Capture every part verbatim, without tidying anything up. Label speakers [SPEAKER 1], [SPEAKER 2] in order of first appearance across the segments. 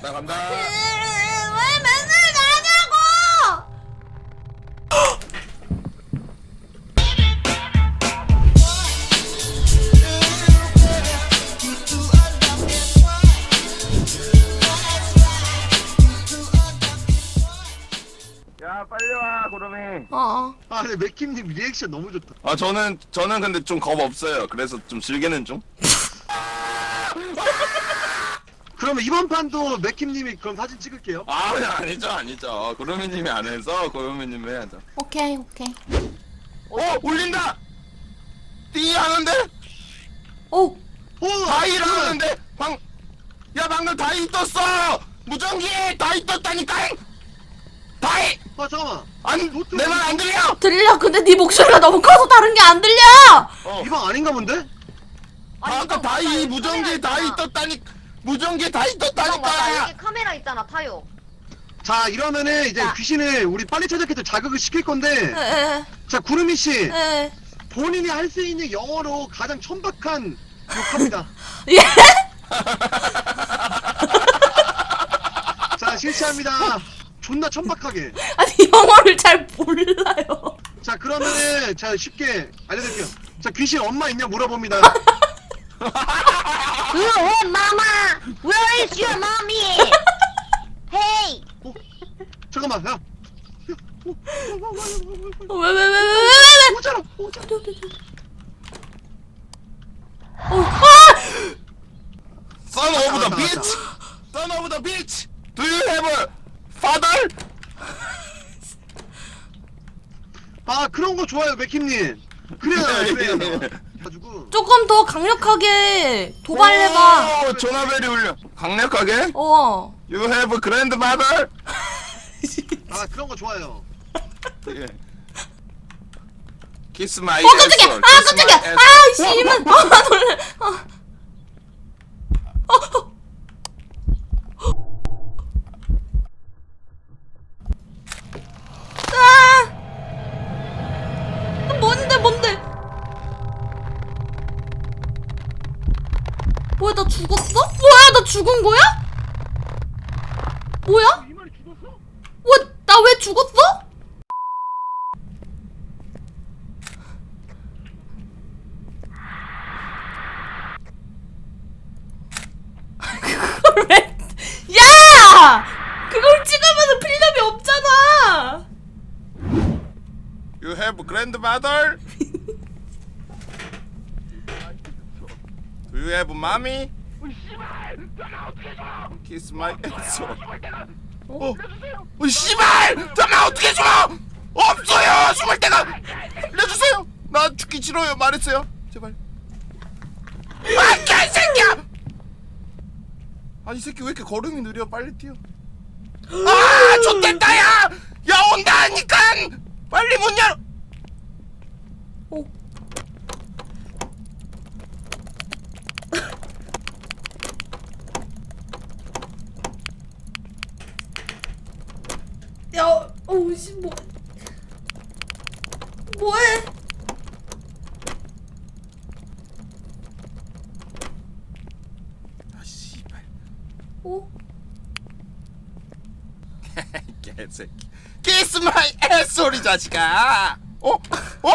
[SPEAKER 1] 나 간다.
[SPEAKER 2] 왜 맨날 나냐고!
[SPEAKER 1] 야 빨리 와 구름이.
[SPEAKER 2] 어.
[SPEAKER 3] 아 근데 맥킴님 리액션 너무 좋다.
[SPEAKER 1] 아 저는 저는 근데 좀 겁 없어요. 그래서 좀 즐기는 중.
[SPEAKER 3] 그러면 이번 판도 맥킴님이 그럼 사진 찍을게요.
[SPEAKER 1] 아 아니죠 아니죠. 구름이님이 안 해서 구름이님 해야죠.
[SPEAKER 2] 오케이 오케이.
[SPEAKER 1] 어 울린다. 띠 하는데
[SPEAKER 2] 오.
[SPEAKER 3] 오!
[SPEAKER 1] 다이 하는데 방. 야 방금 다이 떴어. 무전기 다이 떴다니까. 다이
[SPEAKER 3] 아 잠깐만.
[SPEAKER 1] 안내 말 안 들려?
[SPEAKER 2] 들려. 근데 네 목소리가 너무 커서 다른 게 안 들려.
[SPEAKER 1] 어.
[SPEAKER 3] 이방 아닌가 본데?
[SPEAKER 1] 아, 아까 다이 무전기 다이 떴다니. 무전기 다이
[SPEAKER 4] 맞아,
[SPEAKER 1] 떴다니까.
[SPEAKER 4] 여기 카메라 있잖아, 타요.
[SPEAKER 3] 자 이러면은 이제
[SPEAKER 4] 자.
[SPEAKER 3] 귀신을 우리 빨리 찾아서 자극을 시킬 건데.
[SPEAKER 2] 에에.
[SPEAKER 3] 자 구름이 씨
[SPEAKER 2] 에.
[SPEAKER 3] 본인이 할 수 있는 영어로 가장 천박한 욕합니다.
[SPEAKER 2] 예?
[SPEAKER 3] 자 실시합니다. 존나 천박하게.
[SPEAKER 2] 아니 영어를 잘 몰라요.
[SPEAKER 3] 자 그러면은 자 쉽게 알려드릴게요. 자 귀신 엄마 있냐 물어봅니다.
[SPEAKER 4] Where, mama? Where is your mommy? Hey!
[SPEAKER 3] 어? 잠깐만 야.
[SPEAKER 2] 왜 왜 왜 왜 왜 왜?
[SPEAKER 3] 오잖아 오잖아.
[SPEAKER 2] 어. 아!
[SPEAKER 1] Son of the
[SPEAKER 3] 맞다,
[SPEAKER 1] bitch. Son of the bitch. Do you have a father?
[SPEAKER 3] 아 그런 거 좋아요 맥킴님. 그래요 그래요. 가지고
[SPEAKER 2] 조금 더 강력하게 도발해봐.
[SPEAKER 1] 오, 전화벨이 울려. 강력하게?
[SPEAKER 2] 어.
[SPEAKER 1] You have a grandmother?
[SPEAKER 3] 아 그런 거 좋아요.
[SPEAKER 1] 예. Kiss my
[SPEAKER 2] 어 깜짝이야. 아
[SPEAKER 1] asshole. Kiss
[SPEAKER 2] 깜짝이야.
[SPEAKER 1] my
[SPEAKER 2] 아
[SPEAKER 1] asshole.
[SPEAKER 2] 씨발. 아 놀래. 아. 어. 어. 아. 뭔데 뭔데? 뭐야 나 죽었어? 뭐야 나 죽은 거야? 뭐야? 뭐, 나 왜 죽었어? 그걸 왜? 야! 그걸 찍으면 필름이 없잖아.
[SPEAKER 1] You have a grandmother? Do you have mommy? Kiss my asshole. 어? 어 씨발! 전화 어떻게 줘! 없어요! 숨을 데가! 알려주세요! 나 죽기 싫어요 말했어요 제발. 아 개새끼야! 아니 이 새끼 왜 이렇게 걸음이 느려 빨리 뛰어. 아 좆됐다 야! 야 온다니까! 빨리 문 열어!
[SPEAKER 2] 오. 야, 어우 씨 뭐, 뭐해?
[SPEAKER 1] 아 씨발
[SPEAKER 2] 오,
[SPEAKER 1] 개새끼 키스 마이 애소리 자식아. 어? 어?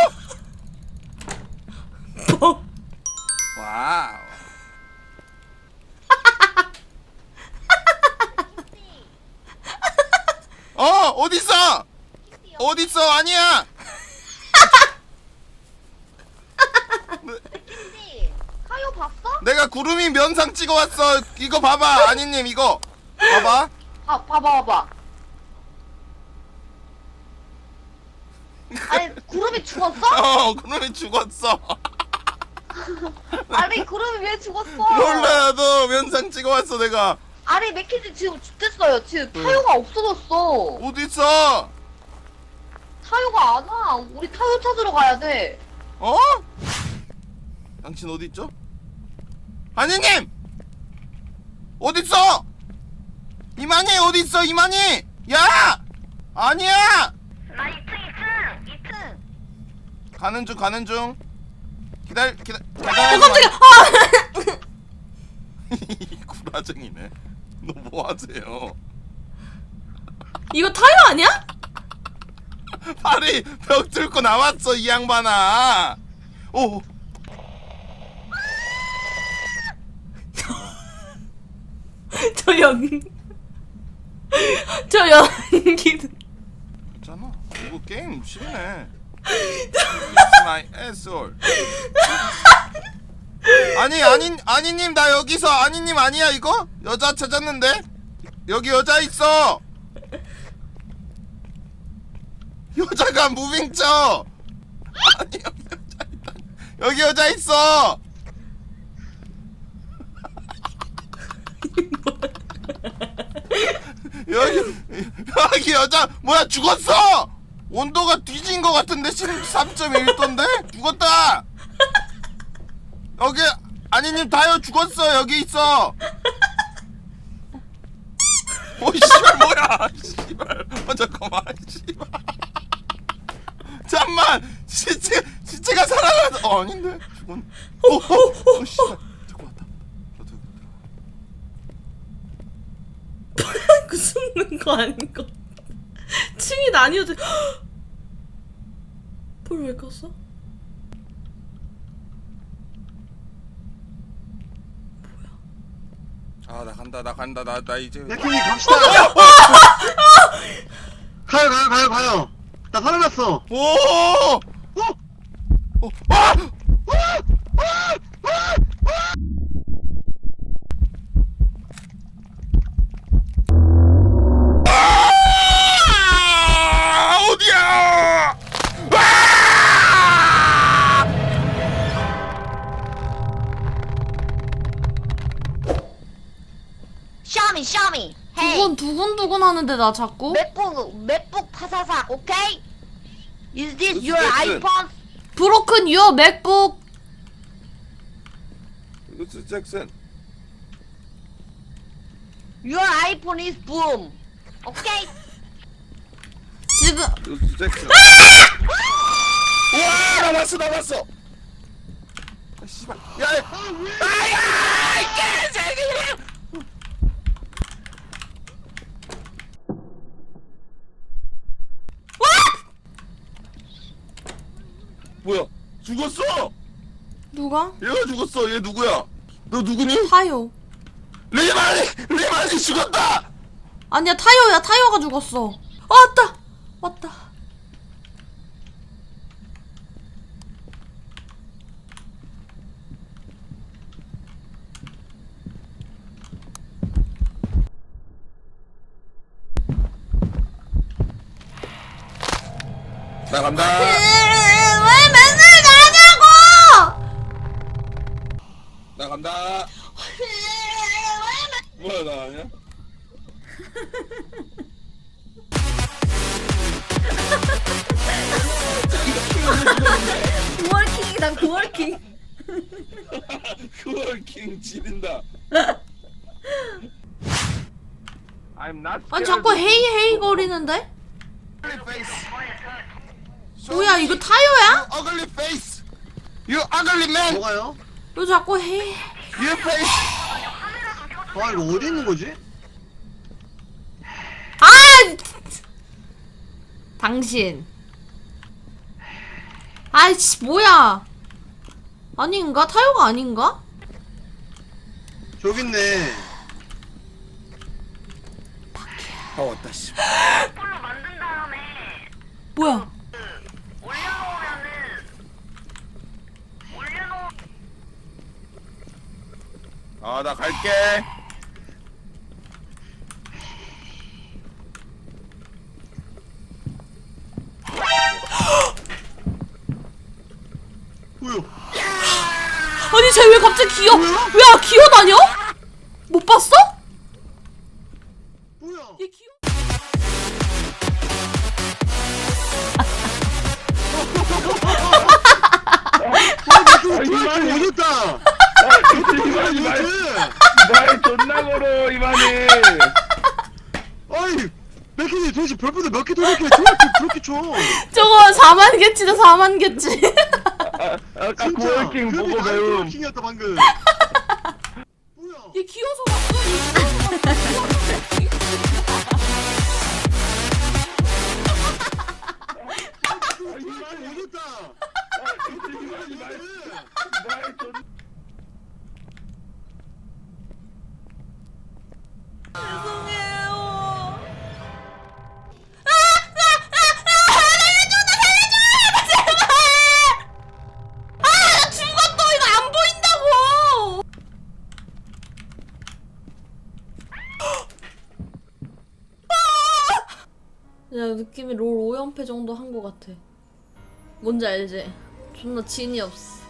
[SPEAKER 2] 뭐?
[SPEAKER 1] 와우. 어 어딨어? 어딨어? 아니야.
[SPEAKER 4] 근데, 타요 봤어?
[SPEAKER 1] 내가 구름이 면상 찍어왔어. 이거 봐봐 아니님 이거 봐봐.
[SPEAKER 4] 아, 봐봐, 봐봐. 아니, 구름이 죽었어?
[SPEAKER 1] 어 구름이 죽었어.
[SPEAKER 4] 아니, 구름이 왜 죽었어?
[SPEAKER 1] 몰라 너 면상 찍어왔어 내가.
[SPEAKER 4] 아니, 맥키지 지금 죽겠어요. 지금 타요가 없어졌어.
[SPEAKER 1] 어딨어?
[SPEAKER 4] 타요가 안 와. 우리 타요 찾으러 가야 돼.
[SPEAKER 1] 어? 당신 어디 있죠? 아니님! 어딨어? 이만희 어디 있어? 이만희! 야! 아니야!
[SPEAKER 4] 나 이 층, 이 층, 이 층.
[SPEAKER 1] 가는 중 가는 중. 기다려 기다.
[SPEAKER 2] 어 깜짝이야. 아!
[SPEAKER 1] 구라쟁이네. 너 뭐 하세요?
[SPEAKER 2] 이거 타요 아니야?
[SPEAKER 1] 팔이 벽 뚫고 나왔어 이 양반아. 오.
[SPEAKER 2] 저 연... 저 연기는
[SPEAKER 1] 괜찮아. 이거 게임 쉽네. It's my asshole. 아니 아니 아니님 나 여기서 아니님 아니야 이거? 여자 찾았는데? 여기 여자 있어. 여자가 무빙 쳐. 아니 여기 여자 있다. 여기 여자 있어. 여기 여기 여자 뭐야 죽었어. 온도가 뒤진 것 같은데 십삼 점 일 도인데 죽었다. 여기 아니님 다요 죽었어. 여기 있어. 오 씨발 뭐야 씨발. 어 잠깐만 씨발. 잠만 시체 시체가 살아났어. 어 아닌데 죽었네. 오오 씨발 자꾸 왔다. 저도
[SPEAKER 2] 그 숨는 거 아닌 거. 층이 나뉘어져. 불 왜 껐어?
[SPEAKER 1] 아 나 간다 나 간다 나 나 이제
[SPEAKER 3] 맥킴님 갑시다. 가요 가요 가요 가요. 나 살아났어.
[SPEAKER 1] 오!
[SPEAKER 3] 어?
[SPEAKER 1] 오! 아! 아! 어디야? 아!
[SPEAKER 4] 샤미 샤미 헤이
[SPEAKER 2] 두근 두근두근 하는데 나 자꾸.
[SPEAKER 4] 맥북 맥북 파사삭 오케이? Is this
[SPEAKER 1] This
[SPEAKER 4] your
[SPEAKER 1] is it.
[SPEAKER 4] iPhone?
[SPEAKER 2] 브로큰 유어 맥북.
[SPEAKER 1] 루스 잭슨.
[SPEAKER 4] Your iPhone is boom 오케이?
[SPEAKER 2] 지금
[SPEAKER 1] 루스 잭슨. 우와 나왔어 나왔어. 아 씨발. 야. 야. 아야! 이 개새끼! 뭐야? 죽었어!
[SPEAKER 2] 누가?
[SPEAKER 1] 얘가 죽었어. 얘 누구야? 너 누구니?
[SPEAKER 2] 타요.
[SPEAKER 1] 리만이! 리만이 죽었다!
[SPEAKER 2] 아니야 타요야 타요가 죽었어. 아, 왔다 왔다.
[SPEAKER 1] 나 간다.
[SPEAKER 2] 왜 맨날 나냐고?
[SPEAKER 1] 나 간다. 뭐야 나 아니야?
[SPEAKER 2] 구월킹이다 구월킹.
[SPEAKER 1] 그월킹 지린다. I'm not
[SPEAKER 2] 아니 자꾸 헤이 헤이 거리는데? 뭐야 이거 타요야?
[SPEAKER 1] You ugly face. You ugly man.
[SPEAKER 3] 뭐가요?
[SPEAKER 2] 너 자꾸 헤이.
[SPEAKER 1] You face.
[SPEAKER 3] 아 이거 어디 있는 거지?
[SPEAKER 2] 아! 당신. 아이씨 뭐야? 아닌가? 타요가 아닌가?
[SPEAKER 3] 저기 있네.
[SPEAKER 1] 아 왔다 씨.
[SPEAKER 4] 폴로 만든 다음에
[SPEAKER 2] 뭐야?
[SPEAKER 4] 올려놓으면은 올려놓
[SPEAKER 1] 아 나 갈게.
[SPEAKER 3] 뭐야?
[SPEAKER 2] 아니 쟤 왜 갑자기 기어? 왜 기어다녀? 못 봤어?
[SPEAKER 3] 뭐야?
[SPEAKER 2] 얘 기어.
[SPEAKER 3] 아 이만이 오졌다.
[SPEAKER 5] 이만이 말,
[SPEAKER 3] 뭐지?
[SPEAKER 5] 말 존나 걸어 이만이.
[SPEAKER 3] 아니 맥킴님 도대체 별풍선 몇 개 돌렸길래 저렇게 그렇게 쳐?
[SPEAKER 2] 저거 사만 개치다 사만 개치.
[SPEAKER 5] 아, 아까
[SPEAKER 3] 진짜.
[SPEAKER 5] 구월킹 보고
[SPEAKER 3] 그러니까
[SPEAKER 5] 배움.
[SPEAKER 3] 구월킹이었다 방금. 뭐야?
[SPEAKER 2] 얘 기어서 왔어. 얘 기어서
[SPEAKER 3] 아, 이만 오졌다.
[SPEAKER 5] 이만이 말 말 존.
[SPEAKER 2] 죄송해요. 아, 죽었어. 이거 안 보인다고. 야, 느낌이 롤 오 연패 정도 한 거 같아. 뭔지 알지? 존나 진이 없어.